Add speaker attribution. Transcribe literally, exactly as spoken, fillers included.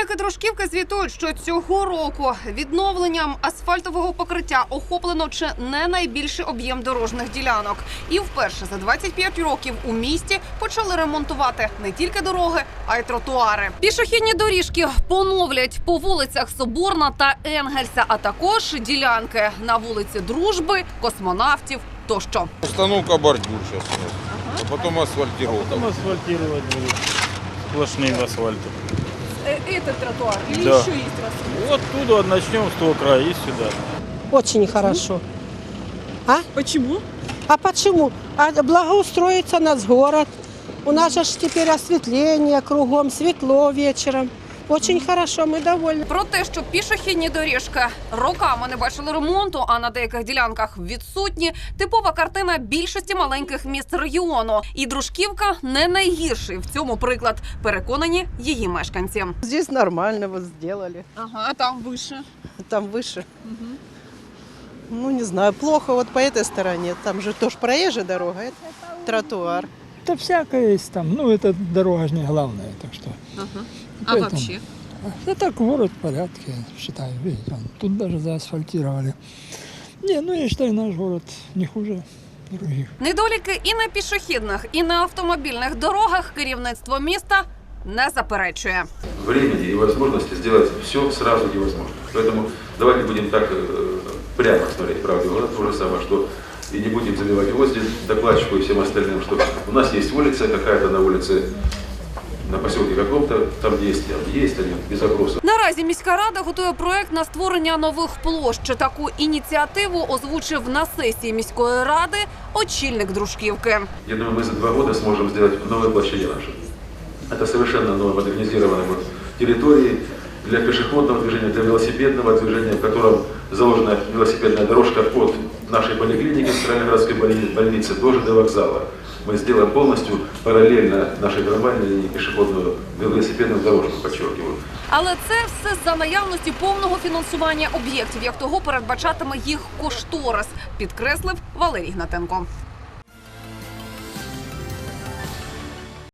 Speaker 1: Комунальники Дружківки звітують, що цього року відновленням асфальтового покриття охоплено чи не найбільший об'єм дорожніх ділянок. І вперше за двадцять п'ять років у місті почали ремонтувати не тільки дороги, а й тротуари. Пішохідні доріжки поновлять по вулицях Соборна та Енгельса, а також ділянки на вулиці Дружби, Космонавтів тощо.
Speaker 2: Установка бордюр сейчас, ага. А потом асфальтировка.
Speaker 3: Потом асфальтировать будут сплошным асфальтом.
Speaker 1: Этот тротуар или
Speaker 3: Да.
Speaker 1: еще есть раз?
Speaker 3: Вот оттуда начнем с того края и сюда.
Speaker 4: Очень хорошо. А?
Speaker 1: Почему?
Speaker 4: А почему? А благоустроится нас город. У нас же ж теперь осветление кругом, светло вечером. Очень хорошо, ми довольні.
Speaker 1: Про те, що пішохідні доріжки роками не бачили ремонту, а на деяких ділянках відсутні, типова картина більшості маленьких міст регіону. І Дружківка не найгірший в цьому приклад, переконані її мешканці.
Speaker 5: Здесь нормально вот сделали.
Speaker 1: Ага, а там вище?
Speaker 5: Там выше. Угу. Ну, не знаю, плохо вот по этой стороне. Там же тоже проезжая дорога, это тротуар.
Speaker 6: Да всякое есть там. Ну, это дорога же не главная, так что.
Speaker 1: Ага. А
Speaker 6: Поэтому-
Speaker 1: вообще?
Speaker 6: Да так, город в порядке, я считаю. Видите, он, тут даже заасфальтировали. Не, ну я считаю, наш город не хуже других.
Speaker 1: Недоліки і на пішохідних, і на автомобільних дорогах керівництво міста не заперечує.
Speaker 7: Времени и возможности сделать все сразу невозможно. Поэтому давайте будем так э, прямо смотреть правде в глаза, то же самое, что и не будем забивать гвозди докладчику и всем остальным, что у нас есть улица какая-то на улице, на поселке каком-то, там есть, там есть, они без опроса.
Speaker 1: Наразі міська рада готує проект на створення нових площ. Таку ініціативу озвучив на сесії міської ради очільник Дружківки.
Speaker 7: Я думаю, мы за два года сможем сделать новые площади наши. Это совершенно новые модернизированные вот территории для пешеходного движения, для велосипедного движения, в котором заложена велосипедная дорожка от нашей поликлиники, центральной городской больницы, тоже до вокзала. Мы сделаем полностью параллельно нашей трамвайной линии пешеходную велосипедную дорожку, подчеркиваю.
Speaker 1: Але це все за наявності повного фінансування об'єктів, як того передбачатиме їх кошторис, підкреслив Валерій Гнатенко.